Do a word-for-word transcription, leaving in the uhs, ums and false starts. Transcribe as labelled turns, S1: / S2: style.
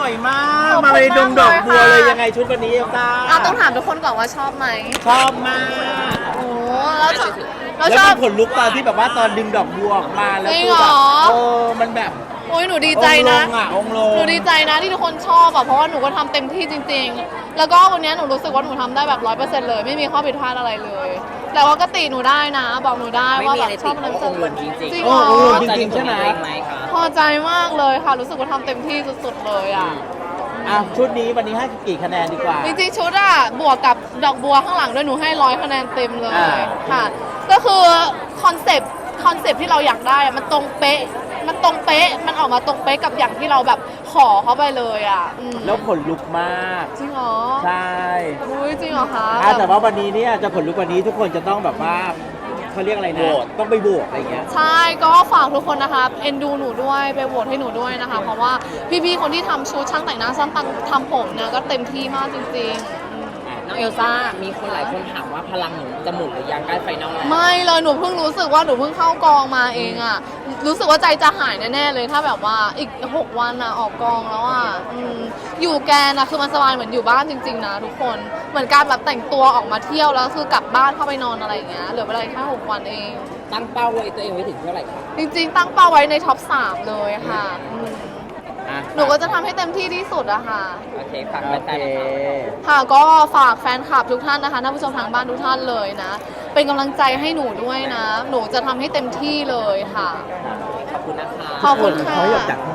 S1: วยมากมาเลยดงดอกบัวเลยยังไงชุดวันนี้เอลซ่า
S2: อ่ะต้องถามทุกคนก่อนว่าชอบไหม
S1: ชอบมาก
S2: โอ้แล้วชอบ
S1: แล้วชอบผลลุกตอนที่แบบว่าตอนดึงดอกบัวออกมาแล้วคือแบบโอ้มันแบบ
S2: โอ้ยหนูดีใจนะ
S1: องลง
S2: หนูดีใจนะที่ทุกคนชอบอ่ะเพราะว่าหนูก็ทำเต็มที่จริงๆแล้วก็วันนี้หนูรู้สึกว่าหนูทำได้แบบร้อยเปอร์เซ็นต์เลยไม่มีข้อผิดพลาดอะไรเลยแต่ว่าก็ติหนูได้นะบอกหนูได้ว่าแบบชอบอะไรจริงจริงจริงเหรอ
S1: จริงๆใช่ไหม
S2: พอใจมากเลยค่ะรู้สึกว่าทำเต็มที่สุดๆเลยอ่ะ
S1: อ่ะชุดนี้วันนี้ให้กี่คะแนนดีกว่า
S2: จริงๆชุดอ่ะบวกกับดอกบัวข้างหลังด้วยหนูให้ร้อยคะแนนเต็มเลยค่ะก็คือคอนเซปต์คอนเซปต์ที่เราอยากได้มันตรงเป๊ะมันตรงเป๊ะมันออกมาตรงเป๊ะกับอย่างที่เราแบบขอเขาไปเลยอ่ะ
S1: แล้วขนลุกมาก
S2: จริงเหรอ
S1: ใช่
S2: อุ้ยจริงเหรอคะ
S1: แต่ว่าวันนี้เนี่ยจะขนลุกวันนี้ทุกคนจะต้องแบบว่าเขาเรียกอะไรนะต้องไปโหวตอะไรเงี้ย
S2: ใช่ก็ฝากทุกคนนะคะเอ็นดูหนูด้วยไปโหวตให้หนูด้วยนะคะเพราะว่าพี่ๆคนที่ทำชุดช่างแต่งหน้าช่างทำผมเนี่ยก็เต็มที่มากจริงๆ
S3: น้องเอลซ่ามีคนหลายคนถามว่าพลังหนูจะหมุนหรือยังใกล้ไฟนอลแล้ว
S2: ไม่เลยหนูเพิ่งรู้สึกว่าหนูเพิ่งเข้ากองมาเองอะรู้สึกว่าใจจะหายแน่ๆเลยถ้าแบบว่าอีกหกวันอะออกกองแล้วอะอยู่แกนอะคือมันสบายเหมือนอยู่บ้านจริงๆนะทุกคนเหมือนการแบบแต่งตัวออกมาเที่ยวแล้วคือกลับบ้านเข้าไปนอนอะไรอย่างเงี้ยเหลือเวลาแค่หกวันเอง
S3: ตั้งเป้าไว้ตัวเองไว้ถึงเท่าไหร่คะ
S2: จริงๆตั้งเป้าไว้ในท็อปสามเลยค่ะหนูก็จะทำให้เต็มที่ที่สุดอะค่ะ
S3: โอเคฝากแฟนๆ
S2: ค่ะก็ฝากแฟนคลับทุกท่านนะคะท่านผู้ชมทางบ้านทุกท่านเลยนะเป็นกำลังใจให้หนูด้วยนะหนูจะทำให้เต็มที่เลยค่ะ
S3: ขอบคุณนะคะ
S2: ขอบคุณค่ะ